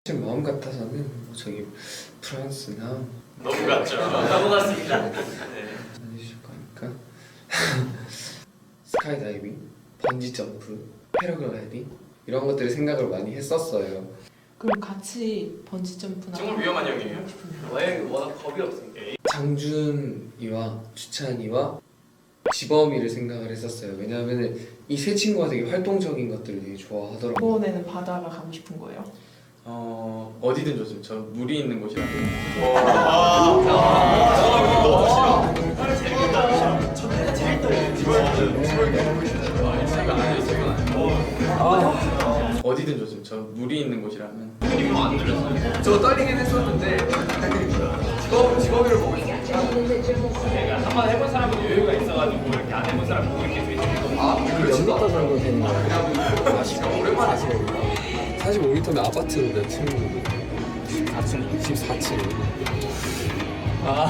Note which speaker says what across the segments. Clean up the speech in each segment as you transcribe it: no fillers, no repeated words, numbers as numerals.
Speaker 1: 지금 마음 같아서는 뭐 저기 프랑스나
Speaker 2: 너무 같죠? 너무 같습니다. 네.
Speaker 1: 해주실 거니까 스카이다이빙, 번지 점프, 패러글라이딩 이런 것들을 생각을 많이 했었어요.
Speaker 3: 그럼 같이 번지 점프나
Speaker 2: 정말 위험한 형이에요. 워낙 겁이 없으니까.
Speaker 1: 장준이와 주찬이와 지범이를 생각을 했었어요. 왜냐하면 이 세 친구가 되게 활동적인 것들을 되게 좋아하더라고요.
Speaker 3: 이번에는 바다가 가고 싶은 거예요?
Speaker 4: 어디든 좋습니다. 저 물이 있는 곳이라도. 어디든 좋습니다. 저 물이 있는 곳이라면.
Speaker 2: 안 들렸어요.
Speaker 4: 저 떨리긴 했었는데 직업을 보고 있어요.
Speaker 2: 내가 한번 해본 사람은 여유가 있어가지고 이렇게 안 해본 사람 보고 이렇게 되게
Speaker 1: 몇미터 정도 되는 거예요?
Speaker 4: 오랜만에 하시거든요.
Speaker 1: 45m면 아파트 몇 층? 14층. 14층.
Speaker 4: 와,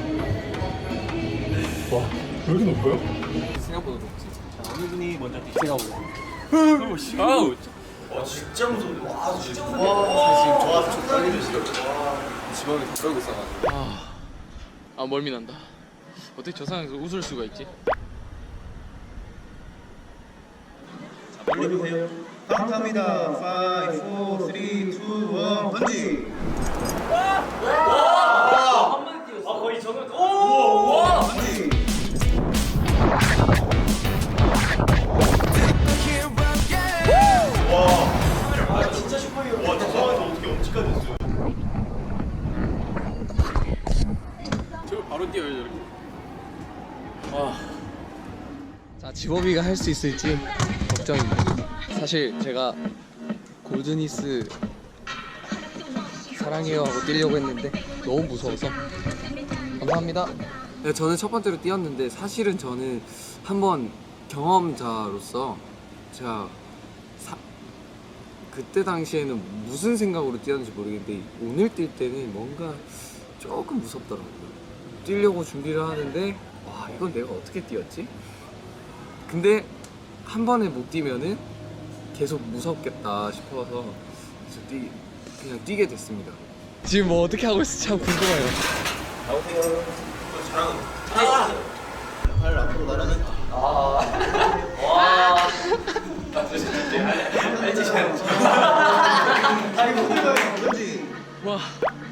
Speaker 4: 왜 이렇게 높아요?
Speaker 1: 생각보다 높지.
Speaker 5: 어느 분이 먼저 뛰세요?
Speaker 4: 아우,
Speaker 5: 진짜 무서운데. 와, 진짜 무서운데. 와, 좀 떨리는 시간.
Speaker 4: 지범이 다 떨고 있어가지고. 멀미 난다. 어떻게 저 상황에서 웃을 수가 있지?
Speaker 5: 멀리 보세요. 카운트합니다. 5, 4, 3, 2, 1, 번지.
Speaker 2: 거의 저는 오!
Speaker 5: 번지.
Speaker 2: 진짜 슈퍼히어로.
Speaker 5: 와, 저 상황에서 어떻게 엄지까지 했어요?
Speaker 4: 저거 바로 뛰어요 저렇게.
Speaker 1: 자, 지범이가 할 수 있을지 걱정입니다. 사실 제가 골드니스 사랑해요 하고 뛰려고 했는데 너무 무서워서. 감사합니다.
Speaker 6: 네, 저는 첫 번째로 뛰었는데 사실은 저는 한번 경험자로서 제가 그때 당시에는 무슨 생각으로 뛰었는지 모르겠는데 오늘 뛸 때는 뭔가 조금 무섭더라고요. 뛰려고 준비를 하는데 와, 이건 내가 어떻게 뛰었지? 근데 한 번에 못 뛰면은 계속 무섭겠다 싶어서 그래서 그냥 뛰게 됐습니다.
Speaker 1: 지금 뭐 어떻게 하고 있을지 참 궁금해요.
Speaker 5: 발 앞으로 나르는. 다리 못 들어가요. 번지.
Speaker 1: 와.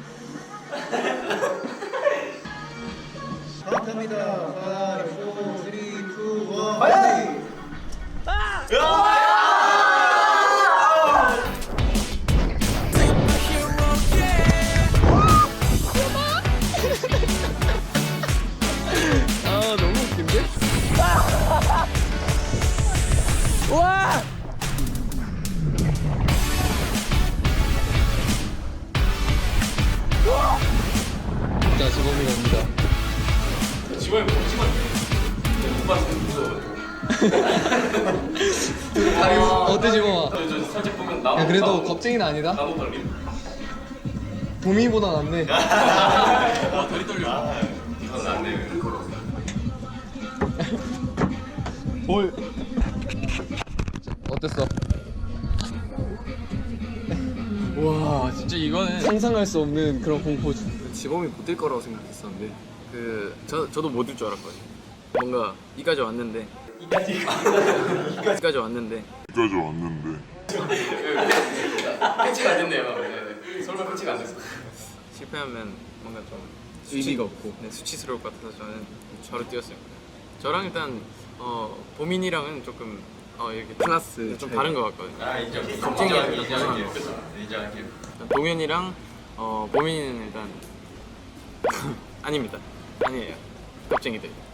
Speaker 5: 카운트합니다. 5, 4, 3, 2, 1, 번지.
Speaker 1: 아, 너무 웃긴데? 와! 자, 지범이가 옵니다.
Speaker 2: 지원이 못 찍었네. 못 봤어요. 무서워요.
Speaker 1: 어때, 지범아?
Speaker 2: 저 살짝 보면 나무.
Speaker 1: 야, 그래도 겁쟁이는 아니다.
Speaker 2: 나무 떨림.
Speaker 1: 봄이보다 낫네.
Speaker 2: 와, 다리 떨려. 이건 낫네.
Speaker 1: 어땠어?
Speaker 4: 와, 진짜 이거는
Speaker 1: 상상할 수 없는 그런 공포지.
Speaker 6: 지범이 못 뛸 거라고 생각했었는데 저도 못 뛸 줄 알았거든요. 뭔가 이까지 왔는데 이까지 왔는데
Speaker 2: 패치가 안 됐네요. 네. 설마 패치가 안 됐어.
Speaker 6: 실패하면 뭔가 좀 의미가 없고 수치스러울 것 같아서 저는 바로 뛰었어요. 저랑 일단 보민이랑은 조금 이렇게 클래스 좀 다른 것 같거든요.
Speaker 2: 아, 인정.
Speaker 6: 겁쟁이랑
Speaker 2: 인정할게요. 인정할게요.
Speaker 6: 동현이랑 보민이는 일단 아닙니다. 아니에요. 겁쟁이들.